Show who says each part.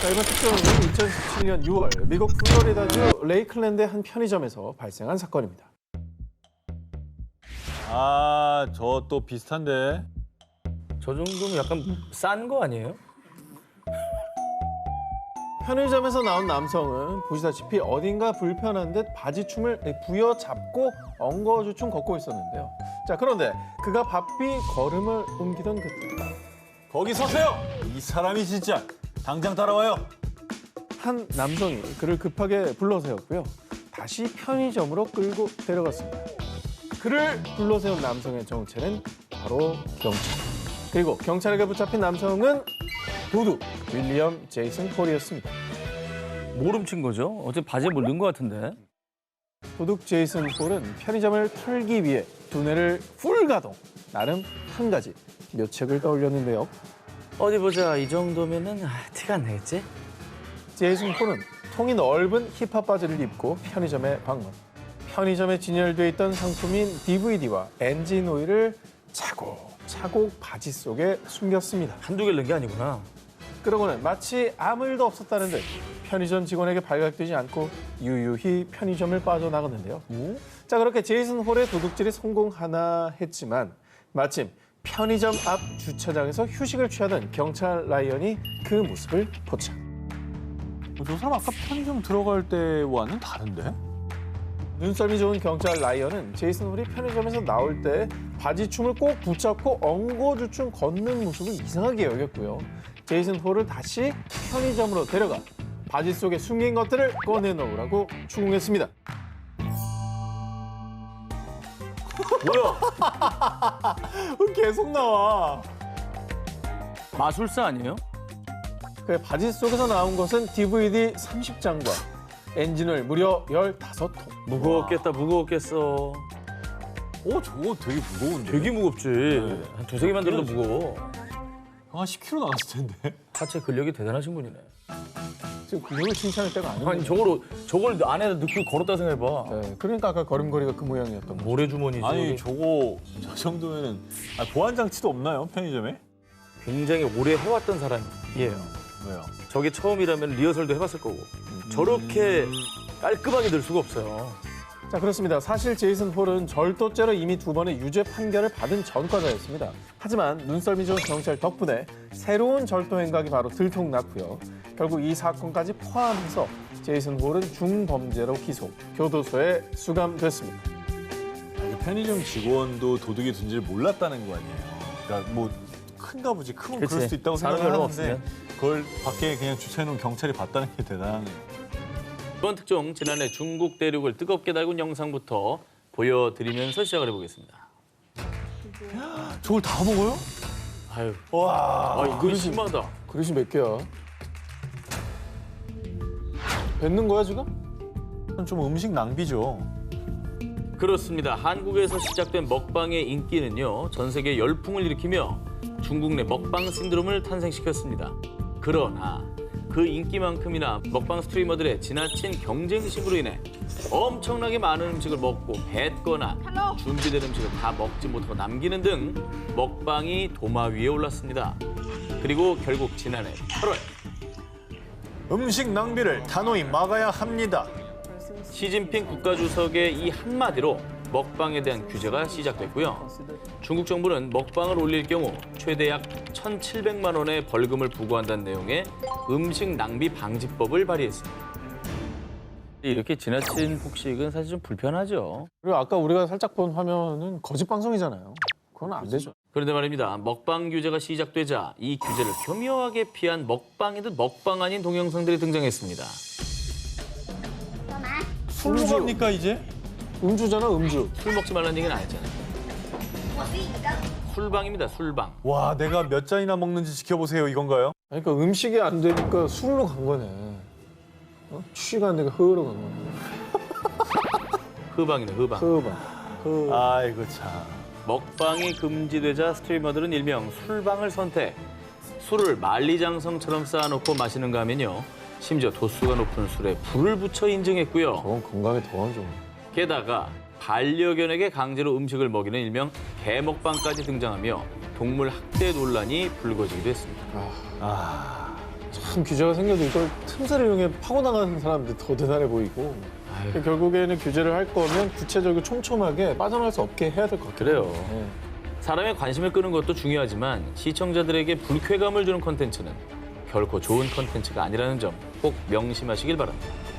Speaker 1: 자, 이번 특종은 2017년 6월 미국 플로리다주 레이클랜드의 한 편의점에서 발생한 사건입니다.
Speaker 2: 아, 저 또 비슷한데.
Speaker 3: 저 정도면 약간 싼 거 아니에요?
Speaker 1: 편의점에서 나온 남성은 보시다시피 어딘가 불편한 듯 바지춤을 부여잡고 엉거주춤 걷고 있었는데요. 자, 그런데 그가 바삐 걸음을 옮기던 그때
Speaker 2: 거기 서세요! 이 사람이 진짜. 당장 따라와요.
Speaker 1: 한 남성이 그를 급하게 불러세웠고요. 다시 편의점으로 끌고 데려갔습니다. 그를 불러세운 남성의 정체는 바로 경찰. 그리고 경찰에게 붙잡힌 남성은 도둑 윌리엄 제이슨 폴이었습니다.
Speaker 3: 뭘 훔친 거죠? 어제 바지에 뭘 넣은 거 같은데.
Speaker 1: 도둑 제이슨 폴은 편의점을 털기 위해 두뇌를 풀 가동. 나름 한 가지 묘책을 떠올렸는데요.
Speaker 3: 어디 보자. 이 정도면은 티가 안 나겠지?
Speaker 1: 제이슨 폴은 통이 넓은 힙합 바지를 입고 편의점에 방문. 편의점에 진열돼 있던 상품인 DVD와 엔진 오일을 차곡차곡 바지 속에 숨겼습니다.
Speaker 3: 한두 개를 넣은 게 아니구나.
Speaker 1: 그러고는 마치 아무 일도 없었다는 듯 편의점 직원에게 발각되지 않고 유유히 편의점을 빠져나갔는데요. 자, 그렇게 제이슨 홀의 도둑질이 성공하나 했지만 마침 편의점 앞 주차장에서 휴식을 취하던 경찰 라이언이 그 모습을 포착.
Speaker 2: 저 사람 아까 편의점 들어갈 때와는 다른데?
Speaker 1: 눈썰미 좋은 경찰 라이언은 제이슨 홀이 편의점에서 나올 때 바지춤을 꼭 붙잡고 엉거주춤 걷는 모습을 이상하게 여겼고요. 제이슨 홀을 다시 편의점으로 데려가 바지 속에 숨긴 것들을 꺼내놓으라고 추궁했습니다.
Speaker 3: 뭐야?
Speaker 1: 계속 나와.
Speaker 3: 마술사 아니에요?
Speaker 1: 그 바지 속에서 나온 것은 DVD 30장과 엔진을 무려 15통.
Speaker 3: 무거웠겠다, 무거웠겠어.
Speaker 2: 오, 저거 되게 무거운데?
Speaker 3: 되게 무겁지. 한 두세 개만 들어도 무거워.
Speaker 2: 한 10kg 나왔을 텐데.
Speaker 3: 하체 근력이 대단하신 분이네.
Speaker 1: 지금 근육을 칭찬할 때가 아니에요.
Speaker 3: 아니 저걸 안에다 넣고 걸었다 생각해봐.
Speaker 1: 네, 그러니까 아까 걸음걸이가 그 모양이었던 거죠.
Speaker 3: 모래주머니지.
Speaker 2: 아니, 저거, 저 정도면은. 아, 보안장치도 없나요, 편의점에?
Speaker 3: 굉장히 오래 해왔던 사람이에요.
Speaker 2: 왜요?
Speaker 3: 저게 처음이라면 리허설도 해봤을 거고. 저렇게 깔끔하게 늘 수가 없어요.
Speaker 1: 자, 그렇습니다. 사실 제이슨 홀은 절도죄로 이미 2번의 유죄 판결을 받은 전과자였습니다. 하지만 눈썰미 좋은 경찰 덕분에 새로운 절도 행각이 바로 들통났고요. 결국 이 사건까지 포함해서 제이슨 홀은 중범죄로 기소, 교도소에 수감됐습니다.
Speaker 2: 아니, 편의점 직원도 도둑이 둔지를 몰랐다는 거 아니에요? 그러니까 뭐 큰가 보지. 크면
Speaker 3: 그치.
Speaker 2: 그럴 수 있다고
Speaker 3: 사람이
Speaker 2: 생각을
Speaker 3: 얼마
Speaker 2: 하는데
Speaker 3: 없으면.
Speaker 2: 그걸 밖에 그냥 주차해놓은 경찰이 봤다는 게 대단하네요.
Speaker 3: 이번 특종 지난해 중국 대륙을 뜨겁게 달군 영상부터 보여드리면서 시작을 해보겠습니다.
Speaker 2: 저걸 다 먹어요?
Speaker 3: 아유,
Speaker 2: 와,
Speaker 3: 이거 심하다.
Speaker 1: 그릇이 몇 개야? 뱉는 거야, 지금?
Speaker 2: 좀 음식 낭비죠.
Speaker 3: 그렇습니다. 한국에서 시작된 먹방의 인기는요, 전 세계 열풍을 일으키며 중국 내 먹방 신드롬을 탄생시켰습니다. 그러나 그 인기만큼이나 먹방 스트리머들의 지나친 경쟁심으로 인해 엄청나게 많은 음식을 먹고 뱉거나 준비된 음식을 다 먹지 못하고 남기는 등 먹방이 도마 위에 올랐습니다. 그리고 결국 지난해 8월
Speaker 2: 음식 낭비를 단호히 막아야 합니다.
Speaker 3: 시진핑 국가주석의 이 한마디로 먹방에 대한 규제가 시작됐고요. 중국 정부는 먹방을 올릴 경우 최대 약 1,700만 원의 벌금을 부과한다는 내용의 음식 낭비 방지법을 발의했습니다. 이렇게 지나친 폭식은 사실 좀 불편하죠.
Speaker 1: 그리고 아까 우리가 살짝 본 화면은 거짓 방송이잖아요. 그건 안 되죠.
Speaker 3: 그런데 말입니다. 먹방 규제가 시작되자 이 규제를 교묘하게 피한 먹방이듯 먹방 아닌 동영상들이 등장했습니다.
Speaker 2: 술로
Speaker 1: 음주.
Speaker 2: 갑니까 이제?
Speaker 1: 음주잖아, 음주.
Speaker 3: 술 먹지 말라는 얘기는 안 했잖아요. 술방입니다, 술방.
Speaker 2: 와, 내가 몇 잔이나 먹는지 지켜보세요 이건가요?
Speaker 1: 그러니까 음식이 안 되니까 술로 간 거네. 어? 취가 안 되니까 흐로 간 거네.
Speaker 3: 흐방이네, 흐방.
Speaker 2: 아이고 참.
Speaker 3: 먹방이 금지되자 스트리머들은 일명 술방을 선택. 술을 만리장성처럼 쌓아놓고 마시는가 하면요. 심지어 도수가 높은 술에 불을 붙여 인증했고요.
Speaker 1: 저건 건강에 더 안 좋네.
Speaker 3: 게다가 반려견에게 강제로 음식을 먹이는 일명 개먹방까지 등장하며 동물 학대 논란이 불거지기도 했습니다.
Speaker 1: 참 규제가 생겨도 이걸 틈새를 이용해 파고나가는 사람들이 더 대단해 보이고 결국에는 규제를 할 거면 구체적이고 촘촘하게 빠져나갈 수 없게 해야 될 것 같아요.
Speaker 3: 그래요.
Speaker 1: 네.
Speaker 3: 사람의 관심을 끄는 것도 중요하지만 시청자들에게 불쾌감을 주는 콘텐츠는 결코 좋은 콘텐츠가 아니라는 점 꼭 명심하시길 바랍니다.